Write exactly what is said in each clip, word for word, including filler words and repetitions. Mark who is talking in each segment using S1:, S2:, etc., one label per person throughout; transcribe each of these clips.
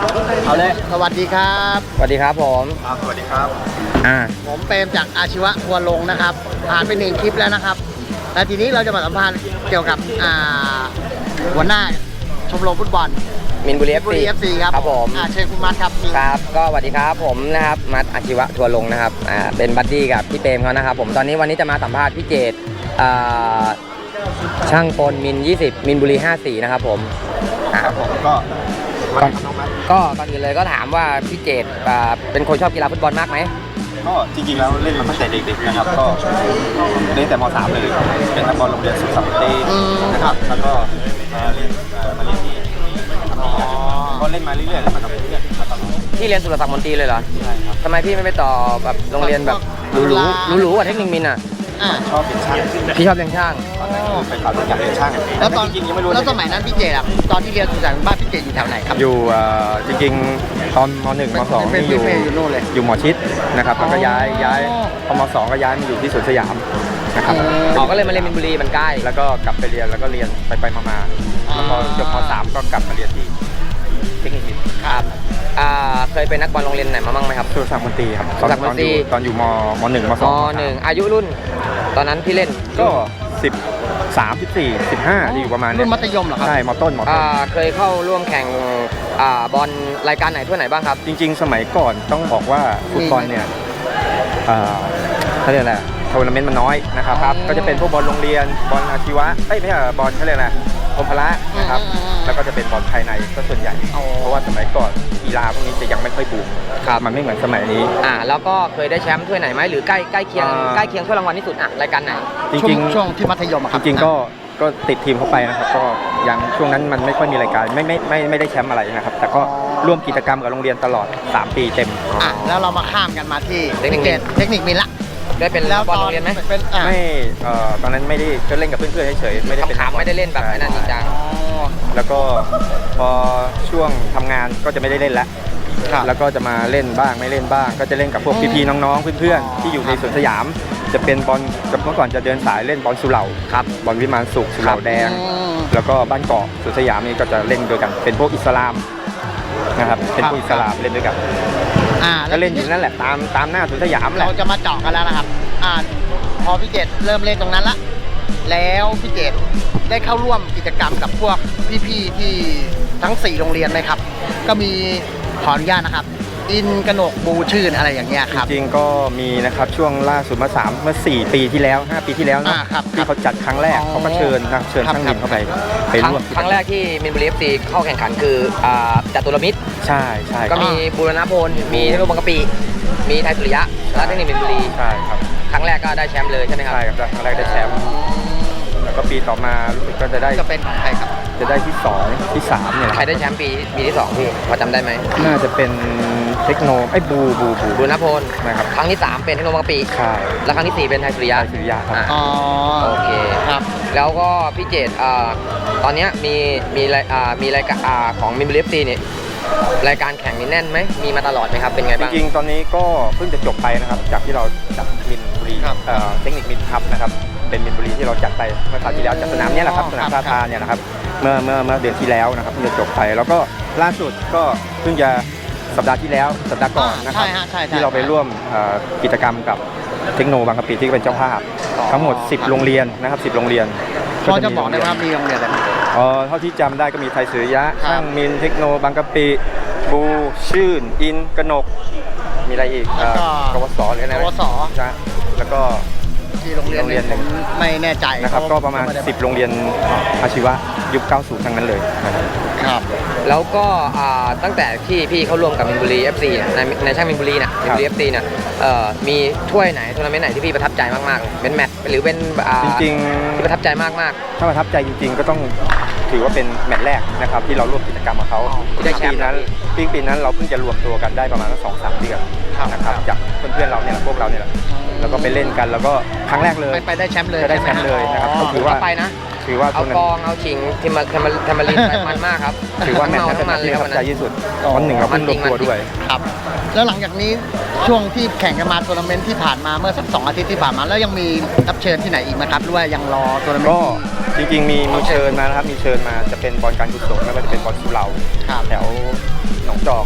S1: เอาเลยสวัสดีครับ
S2: สวัสดีครับผม
S3: ครับสวัสดีครับ
S2: อ่า
S1: ผมเปรมจากอาชีวะทัวร์ลงนะครับผ่านไปหนึ่งคลิปแล้วนะครับและทีนี้เราจะมาสัมภาษณ์เกี่ยวกับอ่าหัวหน้าชมรมฟุตบอล
S2: มินบุรีเอฟ
S1: บุรี
S2: ซี
S1: เอฟซีครับ
S2: ครับผม
S1: อ่าเชิญคุณมัดครับ
S2: ครับก็สวัสดีครับผมนะครับมัดอาชีวะทัวร์ลงนะครับอ่าเป็นบัดดี้กับพี่เปรมเขานะครับผมตอนนี้วันนี้จะมาสัมภาษณ์พี่เจตอ่าช่างกลมินยี่สิบมินบุรีห้าสี่นะครับผม
S3: ครับผมก็
S2: ก่อนก็ก่อนอื่นเลยก็ถามว่าพี่เจตอ่าเป็นคนชอบกีฬาฟุตบอลมากไหม
S3: ก็จริงๆแล้วเล่นมาตั้งแต่เด็กๆนะครับก็เล่นแต่ม .สาม เลยเป็นนักบอลโรงเรียนสุขสันตินะครับแล้วก็เล่นมาเล่นที่ก็เล่นมาเรื่อยๆแล้วมากับเพื่อนมาตลอด
S2: พี่เรียนสุรศักดิ์มนตรีเลยเหรอ
S3: ใช่ครับ
S2: ทำไมพี่ไม่ไปต่อแบบโรงเรียนแบบหรูๆหรูๆกว่าเทคนิคมินอ่ะ
S3: ชอบเป็นช่าง
S2: พี่ชอบเรียนช่าง
S3: เป็นข่าวอยากเรียนช่าง
S1: แล้วตอนจริงยังไม่รู้แล้วสมัยนั้นพี่เจครับตอนที่เรียนสุขสันต์บ้านพี่เจอยู่แถวไหนครับ
S3: อยู่จริงๆตอนม .หนึ่ง ม .สอง นี่อยู่อยู่หมอชิดนะครับแล้วก็ย้ายย้ายพอม .สอง ก็ย้ายมาอยู่ที่สวนสยามนะครับ
S2: อ๋อก็เลยมาเรียนมินบุรีมันใกล้
S3: แล้วก็กลับไปเรียนแล้วก็เรียนไปไปมาๆแล้วพอจบม .สาม ก็กลับมาเรียนที่เทคนิคมิน
S2: ครับอ่าเคยเป็นนักบอลโรงเรียนไหนมาบ้างไหมครับ
S3: สุรศักดิ์มนตรีครับตอนตอนอยู่ตอนอยู่มม .หนึ่ง ม .สอง
S2: ม .หนึ่ง อายุรุ่นตอนนั้นพี่เล่น
S3: ก็สิบสาม สิบสี่ สิบห้าอยู่ประมาณนี้
S1: รุ่นมัธยมเหรอครับ
S3: ใช่มต้นมต้น
S2: เคยเข้าร่วมแข่งบอลรายการไหนทั่วไหนบ้างครับ
S3: จริงๆสมัยก่อนต้องบอกว่าฟุตบอลเนี่ยเขาเรียกอะไรทัวร์นาเมนต์มันน้อยนะครับก็จะเป็นพวกบอลโรงเรียนบอลอาชีวะเอ้ยไม่ใช่บอลเขาเรียกอะไรกรมพละนะครับแล้วก็จะเป็นบอลภายในก็ส่วนใหญ่เพราะว่าสมัยก่อนกีฬาพวกนี้จะยังไม่ค่อยบูมครับมันไม่เหมือนสมัยนี้
S2: อ่าแล้วก็เคยได้แชมป์ถ้วยไหนไหมหรือใกล้ใกล้เคียงใกล้เคียงถ้วยรางวัลที่สุดอ่ะรายการไหน
S3: จริง
S1: ๆช่วงที่มัธยม
S3: จริงๆก็ก็ติดทีมเข้าไปนะครับก็ยังช่วงนั้นมันไม่ค่อยมีรายการไม่ไม่ไม่ไม่ได้แชมป์อะไรนะครับแต่ก็ร่วมกิจกรรมกับโรงเรียนตลอดสามปีเต็ม
S1: อ่ะแล้วเรามาข้ามกันมาที่เทคนิคเทคนิคมินละ
S2: ได้เป็นบอลโรงเรียนไหม
S3: ไม่เอ่อตอนนั้นไม่ได้ก็เล่นกับเพื่อนๆเฉยๆไม่ได้เป็น
S2: ขำไม่ได้เล่นแบบนั้นจริงจัง
S3: แล้วก็พอช่วงทำงานก็จะไม่ได้เล่นแล้วแล้วก็จะมาเล่นบ้างไม่เล่นบ้างก็จะเล่นกับพวกพี่ๆน้องๆเพื่อนๆที่อยู่ในสวนสยามจะเป็นบอลเมื่อก่อนจะเดินสายเล่นบอลสุเหร่าครับบอลวิมานสุขสุเหร่าแดงแล้วก็บ้านเกาะสวนสยามนี่ก็จะเล่นด้วยกันเป็นพวกอิสลามนะครับเป็นพวกอิสลามเล่นด้วยกันก็เล่นอยู่นั่นแหละตามตามหน้าสวนสยามแหละ
S1: เราจะมาเจาะกันแล้วนะครับอ่าพอพี่เจตเริ่มเล่นตรงนั้นละแล้วพี่เจตได้เข้าร่วมกิจกรรมกับพวกพี่ๆที่ทั้งสี่โรงเรียนไหมครับก็มีขออนุญาตนะครับอินกนกบูชื่นอะไรอย่างเงี้ยครับ
S3: จริงๆก็มีนะครับช่วงล่าสุดมาสามเมื่อสี่ปีที่แล้วห้าปีที่แล้วนะที่เขาจัดครั้งแรกเขาก็เชิญนะเชิญช่างมินเข้าไปไปร่วม
S2: ครั้งแรกที่มินบุรีเอฟซีเข้าแข่งขันคือจัตุรมิตร
S3: ใช่ใช่
S2: ก็มีบูรณพลมีเทคโนโลยีบางกะปิมีไทยสุริยะและเทคนิคมินบุรี
S3: ใช่ครับ
S2: ครั้งแรกก็ได้แชมป์เลยใช่ไหมครับ
S3: ใช่ครับครั้งแรกได้แชมป์แล้วก็ปีต่อมารู้สึกก็จะได้
S1: จะเป็นของใครครับ
S3: จะได้ที่สองที่สามเนี่ย
S2: ใครได้แชมป์ปีปีที่สองพี่พอจำได้ไหม
S3: น่าจะเป็นเทคโนไอ้บูบูบู
S2: บูนพล
S3: นะครับ
S2: ครั้งที่สามเป็นเทคโนบางปี
S3: ใช่
S2: แล้วครั้งที่สี่เป็นไทยสุริยะ
S3: สุริยะครับ
S1: อ๋อ
S2: โอเค
S1: ครับ
S2: แล้วก็พี่เจตตอนนี้มีมีมีรายการของมินบุรีเอฟซีเนี่ยรายการแข่งนี่แน่นไหมมีมาตลอดไหมครับเป็นไงบ้าง
S3: จริงๆตอนนี้ก็เพิ่งจะจบไปนะครับจากที่เราจัดมินบุรีเทคนิคมินครับนะครับเป็นมินบุรีที่เราจัดไปเมื่อคราวที่แล้วจัดสนามนี้แหละครับสนามท่าทาเนี่ยนะครับเมื่อเมื่อเมื่อเดือนที่แล้วนะครับเพิ่งจะจบไปแล้วก็ล่าสุดก็เพิ่งจะสัปดาห์ที่แล้วสัปดาห์ก่อนนะครับที่เราไปร่วมกิจกรรมกับเทคโนบางกะปิที่เป็นเจ้าภาพทั้งหมดสิบโรงเรียนนะครับสิบโรงเรียน
S1: พอจะบอกได้ว่ามีโรงเรียนอะไร
S3: อ๋อเท่าที่จำได้ก็มีไทยสุริยะช่างมินเทคโนบางกะปิบูชื่นอินกนกมีอะไรอีกกวสหรืออะไร
S1: กวส
S3: นะแล้วก็
S1: ที่โรงเรียนเรียนผมไม่แน่ใจ
S3: นะครับก็ประมาณสิบโรงเรียนอาชีวะยุคเก้าสิบทั้งนั้นเลย
S1: ครับ
S2: แล้วก็ตั้งแต่ที่พี่เข้าร่วมกับมินบุรี เอฟ ซี ในในช่างมินบุรีนะมินบุรี เอฟ ซี เนี่ยมีถ้วยไหนทัวร์นาเมนต์ไหนที่พี่ประทับใจมากๆเป็นแมตช์หรือเป็น
S3: จริง
S2: ๆที่ประทับใจมาก
S3: ๆถ้าประทับใจจริงๆก็ต้องถือว่าเป็นแมตช์แรกนะครับที่เราร่วมกิจกรรมกับเขา
S2: ที่ได้แชมป์
S3: นั้นปีปีนั้นเราเพิ่งจะรวมตัวกันได้ประมาณสองสามเดือนนะครับจากเพื่อนๆเราเนี่ยพวกเราเนี่ยแล้วก็ไปเล่นกันแล้วก็ครั้งแรกเลย
S1: ไปได้แชมป์เลย
S3: ได้แชมป์เลยนะครับก็ถือว่า
S2: ไปนะ
S3: ถือว่า
S2: เอากองเอาชิงที่มาทำมาทำมาลินไปมันมากครับ
S3: ถือว่าแมตช์นั้นเป็นแมตช์ที่ประทับใจที่สุดวันหนึ่งเราเพิ่งรวมตัวด้วย
S1: ครับแล้วหลังจากนี้ช่วงที่แข่งกันมาทัวร์นาเมนต์ที่ผ่านมาเมื่อสักสองอาทิตย์ที่ผ่านมาแล้วยังมีรับเชิญที่ไหนอีกไหมครับหรือว่ายังรอทัวร์นาเมนต์
S3: ก็จริงๆมีมีเชิญมานะครับมีเชิญมาจะเป็นบอลการกุศลไม่ว่าจะเป็นบอลสุเหร่าแถวหนองจอก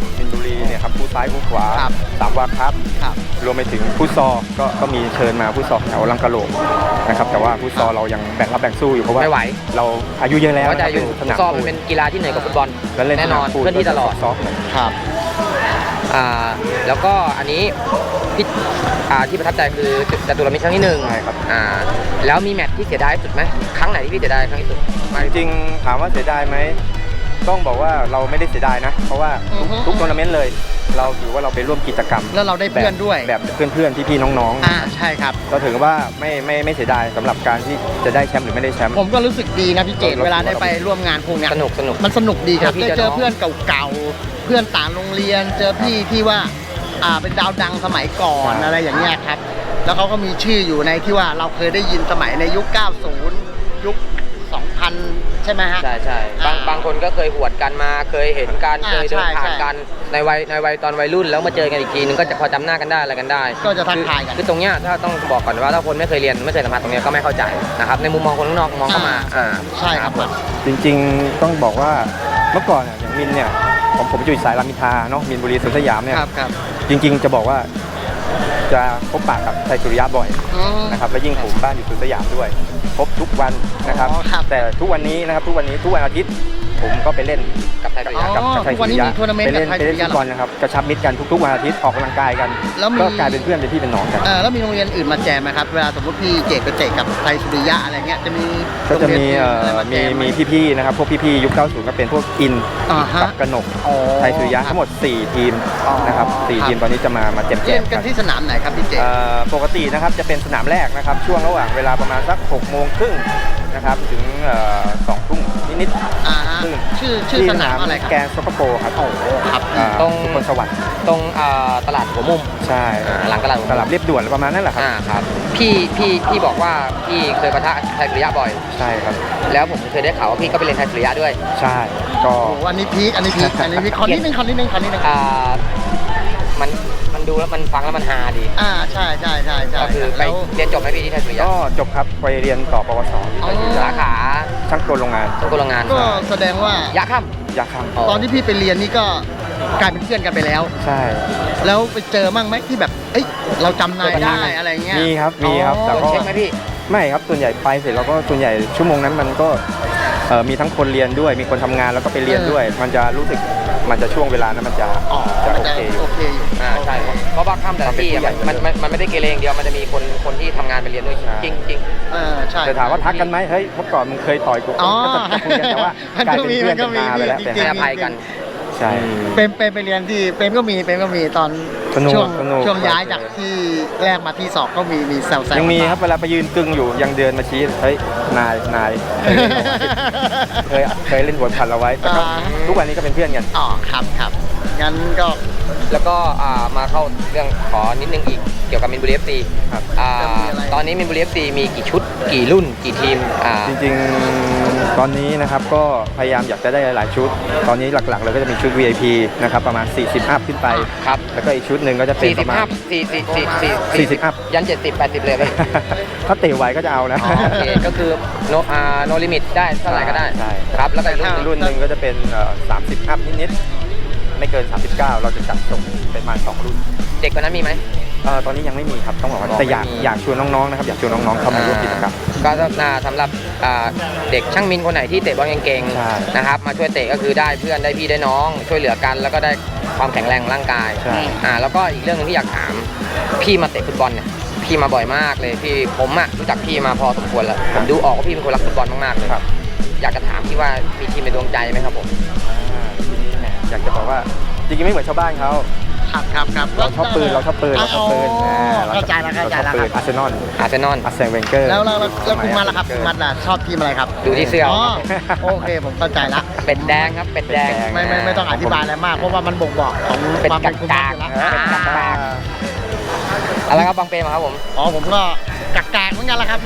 S3: ซ้ายมือขวา
S1: ครับ
S3: สามวาครับ
S1: ครับ
S3: รวมไปถึงฟุตซอลก็ก็มีเชิญมาฟุตซอลแถวลังกะโหลกนะครับแต่ว่าฟุตซอลเรายังแบ่งรับแบ่งสู้อยู่เพราะว่า
S2: ไม่ไหว
S3: เราอายุเยอะแล้ว
S2: เข้าใจอยู่
S3: สนาม
S2: ซอมมั
S3: ปู
S2: นเป็นกีฬาที่เหนื่อยกว่าฟุตบอล
S3: แล้วเล่น
S2: แน่นอน
S3: สามปู
S2: เคลื่อนที่ตลอด
S3: ซอฟต์
S1: ครับ
S2: อ่าแล้วก็อันนี้พี่อ่าที่ประทับใจคือจตุรมิตรครั้งที่หนึ่ง
S3: ใช่ครับ
S2: อ่าแล้วมีแมตช์ที่เสียดายที่สุดไหมครั้งไหนที่พี่เสียดายครั้งที่สุดมาก
S3: จ
S2: ที่สุด
S3: ริงๆถามว่าเสียดายไหมต้องบอกว่าเราไม่ได้เสียดายนะ เพราะว่า
S1: อือฮึ
S3: ทุกทัวร์นาเมนต์เลย เราถือว่าเราไปร่วมกิจกรรม
S1: แล้วเราได้เพื่อนด้วย
S3: แบบแบบเพื่อนๆพี่ๆน้อง
S1: อ่าใช่ครับ
S3: ๆก็ถือว่าไม่ไม่ไม่เสียดายสำหรับการที่จะได้แชมป์หรือไม่ได้แชมป์
S1: ผมก็รู้สึกดีนะพี่เจต
S3: เรา
S1: เวลาได้ไปร่วมงานพวกเนี้ย
S2: สนุกสนุก
S1: มันสนุกดีครับ
S2: เจอพี่
S1: ได้
S2: เจ
S1: เจ
S2: อ
S1: อ
S2: น้อง
S1: เพื่อนเก่าๆเพื่อนต่างโรงเรียน เจอพี่ที่ว่าอ่าเป็นดาวดังสมัยก่อน
S3: ใช่
S1: อะไรอย่างเงี้ยครับ แล้วเขาก็มีชื่ออยู่ในที่ว่าเราเคยได้ยินสมัยในยุค เก้าสิบ ยุค สองพัน ใช่ไหมฮะ
S2: ใช่ใช่บาง
S1: อ่า
S2: บางคนก็เคยหวดกันมาเคยเห็นกัน
S1: อ่า
S2: เคยเดิน
S1: ใช่
S2: ผ่าน
S1: ใช่
S2: กันในวัยในวัยตอนวัยรุ่นแล้วมาเจอกันอีกทีนึงก็จะพอจำหน้ากันได้อะไรกันได้
S1: ก็จะทักทายกัน
S2: คือคือตรงเนี้ยถ้าต้องบอกก่อนว่าถ้าคนไม่เคยเรียนไม่เคยสัมผัสตรงเนี้ยก็ไม่เข้าใจนะครับในมุมมองคนข้างนอกมองเข้ามาอ่า
S1: ใช่ครับ
S2: ผม
S3: จริงๆต้องบอกว่าเมื่อก่อนอะอย่างมินเนี่ยผมผมอยู่สายรามอินทราเนาะมินบุรีสวนสยามเนี่ย
S1: ครับครับ
S3: จริงๆจะบอกว่าจะพบปะกับไทยสุริยะบ่อย
S1: อืม
S3: นะครับและยิ่งผมบ้านอยู่สวนสยามด้วย พบทุกวันนะครับ
S1: อ๋อครับ
S3: แต่ทุกวันนี้นะครับทุกวันนี้ทุกวันอาทิตย์ผมก็ไปเล่น
S2: กับไทยสุริยะ
S1: อ๋อ
S3: กับกับไทย
S1: ทุกวั
S3: สุ
S1: นนี้
S3: ริยะ
S1: มีทัวร์นาเมนต์
S3: ไปเล่น
S1: กับไทย
S3: ไปเล่น
S1: สุริยะ
S3: ฟุตบอลนะครับกระชับมิตรกันทุกๆวันอาทิตย์ออกกำลังกายกัน
S1: แล้วมี
S3: ก็กลายเป็นเพื่อนเป็นพี่เป็นน้องกัน
S1: เออแล้วมีโรงเรียนอื่นมาแจมไหมครับ เวลาสมมติพี่เจตไปเตะกับไทยสุริยะอะไรเงี้ยจะมี
S3: ก็จะมี
S1: โรง
S3: เอ่
S1: เรียน
S3: อ
S1: อื่นอะไราแจ
S3: มี
S1: ไห
S3: มีพี่ๆนะครับพวกพี่ๆยุคเก้าสิบก็เป็นพวกอิน
S1: อ่าฮะ
S3: กับกนก
S1: อ๋อ
S3: ไทยสุริยะทั้งหมดสี่ทีม
S1: อ๋อ
S3: นะครับสี่
S1: ครับ
S3: ทีมตอนนี้จะมามาแจม
S1: เล่น
S3: ๆ
S1: กั
S3: กัน น
S1: ที่สนามไหนครับพี่เจต
S3: เอ่อปกตินะครับจะเป็นสนามแรกนะครับช่วงระหว่างเวลาประมาณสักหกโมงครึ่งนะครับถึงเอ่อสองทุ่มนิด
S1: อ่าฮะ
S3: ซึ่ง
S1: ชื่อชื่อสนามอะไรครับ
S3: แกนซ็อกเกอร์โปครับ
S1: โอ้โหครับ
S3: อ่า
S2: ตรง
S3: สุพลสวัสดิ์
S2: ตรงอ่าตลาดหัวมุม
S3: ใช่
S2: อ่าหลังตลาดหัว
S3: ต
S2: มุม
S3: ลาดเรียบด่วนประมาณนั้นแหละครับ
S2: อ่าครับพี่พี่พี่บอกว่าพี่เคยปะทะไทยสุริยะบ่อย
S3: ใช่ครับ
S2: แล้วผมเคยได้ข่าวว่าพี่ก็ไปเรียนไทยสุริยะด้วย
S3: ใช่ก็
S1: โอ้โหอันนี้พีคอันนี้พีคอันนี้พีคขอนิดนึงขอนิดนึงขอนิดนึง
S2: อ่ามันมันดูแล้วมันฟังแล้วมันฮาดี
S1: อ่าใช่ใช่ใช่ใช่
S2: ก็คือไป
S1: แล้ว
S2: เรียนจบไหมพี่ที่ไทยสุริยะ
S3: ก็จบครับไปเรียนต่อปวสที่ไทยสุริยะ
S2: สาขา
S3: ช่างกลโรงงาน
S2: ช่างกลโรงงาน
S1: ก็แสดงว่าย
S2: ะค่
S3: ยาคัม
S2: ำ
S1: ตอนที่พี่ไปเรียนนี่ก็กลายเป็นเพื่อนกันไปแล้ว
S3: ใช่
S1: แล้วไปเจอมั่งไหมที่แบบเอ้ยเราจำนายได้อะไรเงี้ย
S3: มีครับมีครับ
S1: อ๋อ
S3: แต่
S2: โดน
S3: ก็
S2: เช็คไหมพี่
S3: ไม่ครับส่วนใหญ่ไปเสร็จเราก็ส่วนใหญ่ชั่วโมงนั้นมันก็เอ่อมีทั้งคนเรียนด้วย มีคนทำงานแล้วก็ไปเรียนด้วย มันจะรู้สึกมันจะช่วงเวลานั้นมันจะ
S1: อ๋อ
S3: จะ
S1: มัน
S3: โอ
S1: จะ
S3: เคอยู่
S1: โอเคอยู่
S2: อ่าใช่เพราะเพราะว่าค่ำแต่ละที่อะมันมันมันไม่ได้เกเรอย่างเดียวมันจะมีคนคนที่ทำงานไปเรียนด้วย
S3: ใช่
S2: จริงจริง
S1: เออใช่
S3: แต่ถามว่าทักกันไหมเฮ้ยเมื่อก่อนมึงเคยต่อยกู
S1: อ๋อ
S3: ก็จะคุยกันแต่ว่า
S1: มัน
S3: กลาย
S1: ก็
S3: เป็น
S1: มี
S3: เพื่อน
S1: มันก็
S3: กัน
S1: มี
S3: มาไปแล้ว
S1: จริ
S3: แต่
S1: ง
S2: ให้อภัยกัน
S3: ใช่
S1: เป็นเป็นไปเรียนที่เป็นก็มีเป็นก็มีตอน
S3: สนุก
S1: ช่วง
S3: สนุก
S1: ช่วงย้ายจากที่แรกมาที่สองก็มีมีแซวแซว
S3: ยังมีครับเวลาไปยืนกึ่งอยู่ยังเดินมาชี้เฮ้ยนายนายเคยเคยเล่นหัวพันเราไว้แต่ก็ทุกวันนี้ก็เป็นเพื่อนกัน
S1: อ๋อครับครับงั้นก็
S2: แล้วก็อ่ามาเข้าเรื่องขอนิดนึงอีกเกี่ยวกับมินบุรีเอฟซี
S3: ครับ
S2: อ่าตอนนี้มินบุรีเอฟซีมีกี่ชุดกี่รุ่นกี่ทีมอ่า
S3: จริงๆ ตอนนี้นะครับก็พยายามอยากจะได้หลายๆชุด ตอนนี้หลักๆเลยก็จะมีชุด วี ไอ พี นะครับประมาณ สี่สิบ อัพขึ้นไป
S2: ครับ
S3: แล้วก็อีกชุดหนึ่งก็จะเป็น
S2: สี่
S3: ป
S2: สิบ
S3: ระมา
S2: ห้า
S3: ณ
S2: สี่สี่สี่สี่
S3: สี่สิบอัพ
S2: ยันเจ็ดสิบแปดสิบเลยพี่
S3: ถ้าเตะไหวก็จะเอานะ
S2: อ๋อโอเคก็คือโนอ่าโนลิมิตได้เท่าไหร่ก็ได้
S3: ใช่
S2: ครับแล้วก็อีกรุ่นหนึ่ง
S3: รุ่นหนึ่งก็จะเป็นเอ่อสามสิบ อัพนิดๆ ไม่เกิน สามสิบเก้า เราจะจัดส่งเป็นประมาณสองรุ่น
S2: เด็กกว่านั้นมีไหม
S3: เอ่อตอนนี้ยังไม่มีครับต้องบอกว่า
S2: อ๋อ
S3: แต่อยาก
S2: ไม่มี
S3: อยากชวนน้องๆนะครับอยากชวนน้องๆเข้ามาร่วมกิจกรรม
S2: ก็อ่าสำหรับอ่าเด็กช่างมินคนไหนที่เตะบอลเก่ง
S3: ใช่
S2: ๆนะครับมาช่วยเตะก็คือได้เพื่อนได้พี่ได้น้อง ช่วยเหลือกัน แล้วก็ได้ความแข็งแรงของร่างกาย
S3: ใช่
S2: อ่าแล้วก็อีกเรื่องหนึงที่อยากถามพี่มาเตะฟุตบอลเนี่ยพี่มาบ่อยมากเลยพี่ผมอะรู้จักพี่มาพอสมควรแล้วผมดูออกว่าพี่เป็นคนรักฟุตบอลมากๆเลย
S3: ครับ
S2: อยากจะถามพี่ว่ามีทีมในดวงใจไหมครับผม
S3: อ่าทีนี้แหมอยากจะบอกว่าจริงๆไม่เหมือนชาวบ้านเขา
S1: ครับครับครับ
S3: เราชอบปืนเราชอบปืนเราชอบปืน
S1: อ๋อ
S3: อ่
S1: เข้าใจแล้วเข้าใจแล้ว
S3: ร
S1: ค
S3: ช
S1: รั
S3: อบบ ปืนอาร์เซนอล
S2: อาร์เซนอล
S3: อาร์เซนเวนเกอร์
S1: แล้วแล้วแล้วแล้วคุณมัดล่ะครับคุณมัดล่ะชอบทีมอะไรครับ
S2: ดูที่เสื้อ
S1: อ๋อโอเคผมเข้าใจละ
S2: เป็ดแดงครับเป็ดแดง
S1: ไม่ไม่ไม่ต้องอธิบายอะไรมากเพราะว่ามันบ่งบอกของ
S2: เป็น
S1: ความเป็นคุณมัด
S2: กาก
S1: อยู่
S2: ๆ
S1: แล้ว
S2: เป็นกาก อะไรครับบางเปรมครับผม
S1: อ๋อผมก็กักกากเหมือนกันละครับ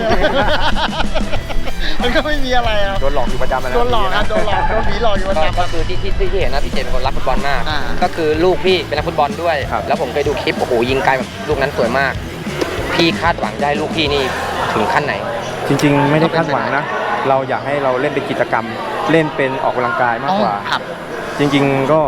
S1: มันก็ไม่มีอะไรครับ
S3: โดนหลอกอยู่ประจำะนะ
S1: โดนหลอกครับโดนหลอกโดนผีหลอกอยู่ประ
S2: ก็
S1: จำค
S2: ก็
S1: รับ
S2: คือที่ที่ที่เห็นนะพี่เจเป็นคนรักฟุตบอลมาก
S1: อ่า
S2: ก็คือลูกพี่เป็นนักฟุตบอลด้วย
S3: ครับ
S2: แล้วผมเคยดูคลิปโอ้โหยิงไกลแบบลูกนั้นสวยมาก พี่คาดหวังจะให้ลูกพี่นี่ถึงขั้นไหน
S3: จริงๆ ไม่ได้คาดหวังนะ เราอยากให้เราเล่นเป็นกิจกรรม เล่นเป็นออกกำลังกายมากกว่า
S1: อ๋อครับ
S3: จริงๆ ก็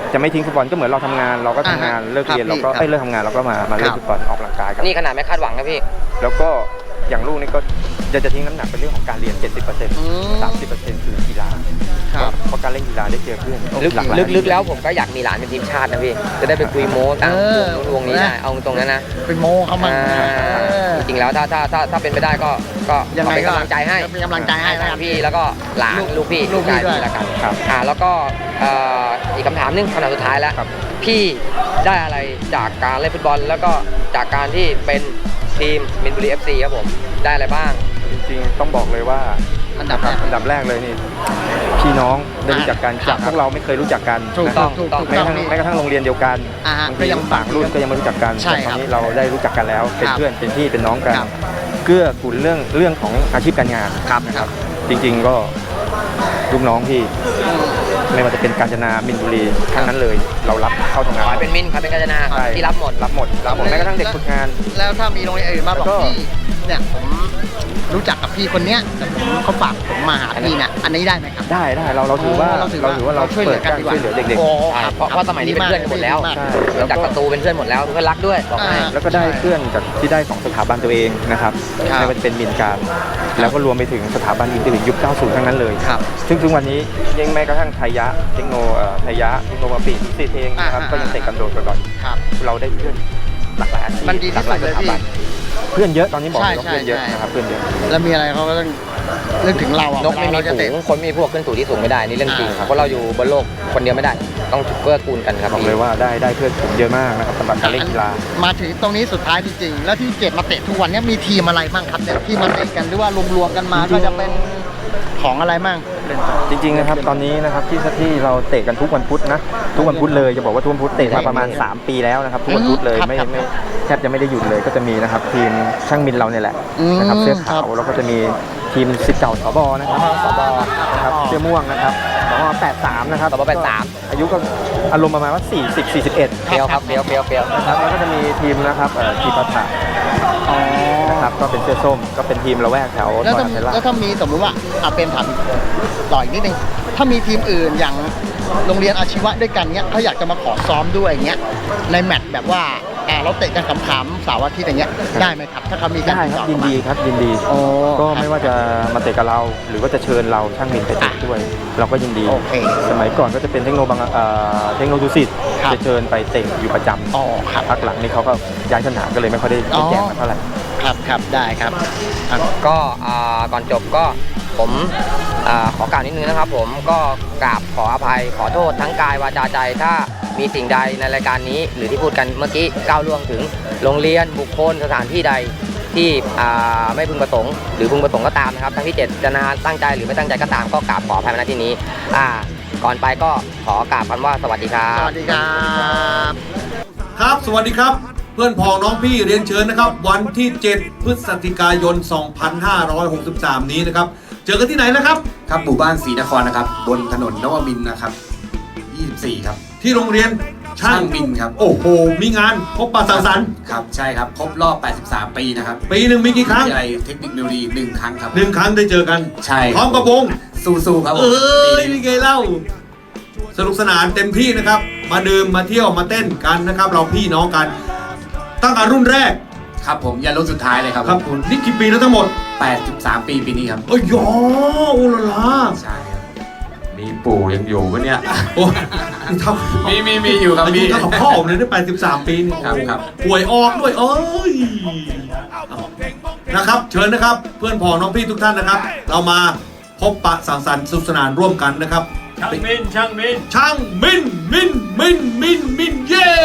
S3: จะไม่ทิ้งฟุตบอลก็เหมือนเราทำงานเราก็ทำงาน
S1: อ่าฮะ
S3: เลิกเรียน
S1: ครับ
S3: เราก็
S1: พี่
S3: เอ้ยเลิกทำงานเราก็มามาเล่น
S1: ครับ
S3: ฟุตบอลออกกำลังกายกัน
S2: นี่ขนาดไม่คาดหวังนะพี่
S3: แล้วก็อย่างลูกนี่ก็จะจะทิ้งน้ำหนักเป็นเรื่องของการเรียน เจ็ดสิบเปอร์เซ็นต์
S1: อืม
S3: สามสิบเปอร์เซ็นต์คือกีฬา
S1: ครับ
S3: เพราะการเล่นกีฬาได้เจอเพื่อน
S2: ลึก
S3: หลากหลาย
S2: ลึกๆแล้วผมก็อยากมีหลานเป็นทีมชาตินะพี่ จะได้ไปคุยโม้ตาม
S1: เออ
S2: วงนี้ได้เอาตรงนั้นนะ
S1: เป็นโมเขามา
S2: อ่า
S1: เออ
S2: จริงๆแล้วถ้าถ้าถ้าถ้าเป็นไปได้ก็ก็
S1: ยังไง
S2: ขอเป็น
S1: ก็
S2: กำลังใจให้
S1: เป็นกำลังใจให้
S2: ทั้
S1: นะครั
S2: ง
S1: บ
S2: พี่แล้วก็หลาน
S1: ลูก
S2: ลูกพี่
S1: ลูกพี่
S2: ชาย
S1: ด้วย
S2: แล้วกัน
S3: ครับ
S2: อ่าแล้วก็เอ่ออีกคำถามหนึงคำถามสุดท้ายแล้ว
S3: ครับ
S2: พี่ได้อะไรจากการเล่นฟุตบอล แล้วก็จากการที่เป็นทีมมินบุรี เอฟ ซี ครับผมได้อะไรบ้าง
S3: จริงๆต้องบอกเลยว่า
S1: อันดับแรก
S3: อันดับแรกเลยนี่พี่น้องได้รู้จักกัน
S1: ครั
S3: จา
S1: บ
S3: กพวกเราไม่เคยรู้จักกัน
S1: ถูก
S3: นะค
S1: ต้
S3: รั
S1: อบ งถูกต้อง
S3: แม้กระทั่งแม้กระทั่งโรงเรียนเดียวกัน
S1: อ่าฮะ
S3: บาง
S1: ก็
S3: ที
S1: ยัง
S3: ต่างรุ่นก็ยังไม่รู้จักกัน
S1: ใช่
S3: แต่ต
S1: ครั
S3: อบ นนี้เราได้รู้จักกันแล้วเป็น
S1: ครับ
S3: เพื่อนเป็นพี่เป็นน้องกัน
S1: ครับ
S3: เกื้อกูลเรื่องเรื่องของอาชีพการงาน
S1: ครับ
S3: นะครับ จริงๆก็ลูกน้องที่ไม่ว่าจะเป็นกาญจนามินบุรีทั้งนั้นเลย เรารับเข้าทำงาน
S2: ขอให้เป็นมินขอให้เป็นกาญจนา
S3: ใช่
S2: ที่รับหมด
S3: รับหมดรับหมดแม้กระทั่งเด็กฝึกงาน
S1: แล้วถ้ามีโรงเรียนอื่นมาบอก
S3: แล้วก็
S1: พี่เนี่ยผมรู้จักกับพี่คนเนี้ยแต่ผมเขาฝากผมมาหาพี่เนี่ยอันนี้ได้ไหมครับ
S3: ได้ได้เราเราถือว่า
S1: เราถือ
S3: เราถือว่าเรา
S1: ช่วยเหลือกันดีกว่า
S3: ช่วยเหลือเด็ก
S1: โอ้
S2: ใช่
S1: ครับ
S2: เพราะเพราะสมัยนี้เป็นเพื่อนกันหมดแล้ว
S1: ดีาก
S3: ใช่
S2: เพื่อนจากประตูเป็นเพื่อนหมดแล้วเพื่อนรักด้วยบอกให้
S1: อ่า
S3: ๆ แล้วก็ได้เพื่อนจากที่ได้ของสถาบันตัวเองนะครับ
S1: ครับ
S3: ไม่ว่าจะเป็นมินการ แล้วก็รวมไปถึงสถาบันอื่นๆยุค เก้าสิบ ทั้งนั้นเลย
S1: ครับ
S3: ซึ่งถึงวันนี้ยังแม้กระทั่งไทยะเทคโนเอ่อไทยะเทคโนโลยีซีเทงนะครับ
S1: อ่า
S3: ก็ยังเตะกันโดดก่อน
S1: ครับ
S3: เราได้เพื่อนหลากหลายอาชีพ
S1: มันดีที่
S3: หลากห
S1: สุ
S3: ลาย
S1: ดเลย
S3: สถาบัน
S1: พี่
S3: เพื่อนเยอะตอนนี้บอกเลยว่า
S1: ใช่
S3: เพื่อนเยอะ
S1: ใช่
S3: นะครับเพื่อนเยอะ
S1: แล้วมีอะไรเขาก็ต้องนึกถึงเราอ่ะ
S2: นกไม่มี
S1: เวลาเราจะ
S2: ฝู
S1: เตะ
S2: งคนไม่มีพวกขึ้นสู่ที่สูงไม่ได้นี่เรื่องจริง
S1: อ่า
S2: เพราะเราอยู่บนโลกคนเดียวไม่ได้ ต้องเกื้อกูลกันครับ
S3: บอก
S2: พี่
S3: เลยว่าได้ได้เพื่อนผมเยอะมากนะครับสำหรับการเล่นกีฬา
S1: มาถึงตรงนี้สุดท้ายจริงๆแล้วที่เกตมาเตะทุกวันเนี้มีทีมอะไรบ้างครับเนี่ยที่มาเตะกันหรือว่ารวมๆกันมา
S3: จริงๆ
S1: ก็จะเป็นของอะไรบ้าง
S3: จริงๆนะครับตอนนี้นะครับที่ที่เราเตะกันทุกวันพุธนะทุกวันพุธเลยจะบอกว่าทุกวันพุธเตะมาประมาณ สาม ปีแล้วนะครับทุกวันพุธเลย
S1: ครับ
S3: ไม่
S1: ครับ
S3: ไม่แทบจะไม่ได้หยุดเลยก็จะมีนะครับทีมช่างมินเราเนี่ยแหละ
S1: อืม
S3: นะครับเสื้อขาว
S1: ครับ
S3: แล้วก็จะมีทีมสิทธิ์เก่าสบนะครับสบนะครับเสื้อม่วงนะครับสบแปดสามนะครับ
S2: สบแปดสาม
S3: อายุก็อารมณ์ประมาณว่าสี่สิบ สี่สิบเอ็ด
S2: เปียวครับเปียวเปียวเปียว
S3: นะครับแล้วก็จะมีทีมนะครับเอ่อทีปาถานะครับก็เป็นเสื้อส้มก็เป็นทีมละแวกแถว
S1: แล้ว
S3: ซอย
S1: ถ้า
S3: อัมเทล่า
S1: แล้วถ้ามีสมมติว่าอาเป็นถามต่ออีกนิดนึงถ้ามีทีมอื่นอย่างโรงเรียนอาชีวะด้วยกันเนี้ยเขาอยากจะมาขอซ้อมด้วยอย่างเงี้ยในแมตช์แบบว่าอ่าเราเตะกันขำๆเสาร์อาทิตย์อย่างเงี้ยได้ไหมครับถ้าเขามีการ
S3: ได้
S1: ติ
S3: ครับ
S1: ต่อ
S3: ยินดีครับยินดี
S1: โอ้
S3: ก็
S1: ครับ
S3: ไม่ว่าจะมาเตะกับเรา หรือว่าจะเชิญเราช่างมินไปเตะด้วย เราก็ยินดี
S1: โอเค
S3: สมัยก่อนก็จะเป็นเทคโนบางเอ่อเทคโนดูสิต
S1: ครับ
S3: จะเชิญไปเตะอยู่ประจ
S1: อ๋อครับ
S3: ำพักหลังนี้เขาก็ย้ายสนามก็เลยไม่ค่อยได้
S1: อ๋อ
S3: แจกมาเท่าไหร่
S1: ครับครับได้ครับครับ
S2: ก็อ่าก่อนจบก็ผมอ่าขอกล่าวนิดนึงนะครับ ผมก็กราบขออภัยขอโทษทั้งกายวาจาใจถ้ามีสิ่งใดในรายการนี้ หรือที่พูดกันเมื่อกี้ก้าวล่วงถึงโรงเรียนบุคคลสถานที่ใดที่อ่าไม่พึงประสงค์หรือพึงประสงค์ก็ตามนะครับทั้งที่เจตนาตั้งใจหรือไม่ตั้งใจก็ตามก็กราบขออภัยมาณที่นี้อ่าก่อนไปก็ขอกราบคำว่าสวัสดีครั
S1: ส
S2: บ
S1: วัสดีครับ
S4: ครับ สวัสดีครับ เพื่อนพ้องน้องพี่เรียนเชิญนะครับ วันที่ เจ็ด พฤศจิกายน สองพันห้าร้อยหกสิบสาม นี้นะครับ เจอกันที่ไหนนะครับ
S5: ครับหมู่บ้านศรีนครนะครับ บนถนนนวมินทร์นะครับ ยี่สิบสี่ ครับ
S4: ที่โรงเรียนช่า
S5: ช่าง งมินครับ
S4: โอ้โห มีงานพบปะสังสรรค์
S5: ครับ ใช่ครับ ครบรอบ แปดสิบสาม ปีนะครับ
S4: ปีหนึ่งมีกี่ครั้ง
S5: วิทยาลัยเทคนิคมิวดีหนึ่งครั้งครับ
S4: หนึ่งครั้งได้เจอกัน
S5: ใช่
S4: พร้อมกับวง
S5: สู้ๆครับผ
S4: เอ
S5: ม้
S4: ยนี่ไงเล่า สนุกสนานเต็มที่นะครับ มาดื่มมาเที่ยวมาเต้นกันนะครับ เราพี่น้องกัน ตั้งแต่รุ่นแรก
S5: ครับผมยันรุ่นสุดท้ายเลยครับ
S4: ครับผมนี่กี่ปีแล้วทั้งหมด
S5: แปดสิบสาม ปีปีนี้ครับ
S4: โอ้ยยอโอ้ละลา
S5: ใช่ครับ
S6: มีปู่ยังอยู่ปะเนี่ย
S4: โอ้นี่ทำ
S5: มีมีมีอยู่ครับ
S4: อา
S5: มี
S4: ยุเท่ากับพ่อผมเลยได้แปดสิบสามปีนี่
S5: ครับครับ
S4: ป่วยออกด้วยเอ้ยนะครับ เชิญนะครับ เพื่อนพ้องน้องพี่ทุกท่านนะครับ เรามาพบปะสังสรรค์สนุกสนานร่วมกันนะครับ
S6: ช่างมินช่างมิน
S4: ช่างมินมินมินมินมินเย้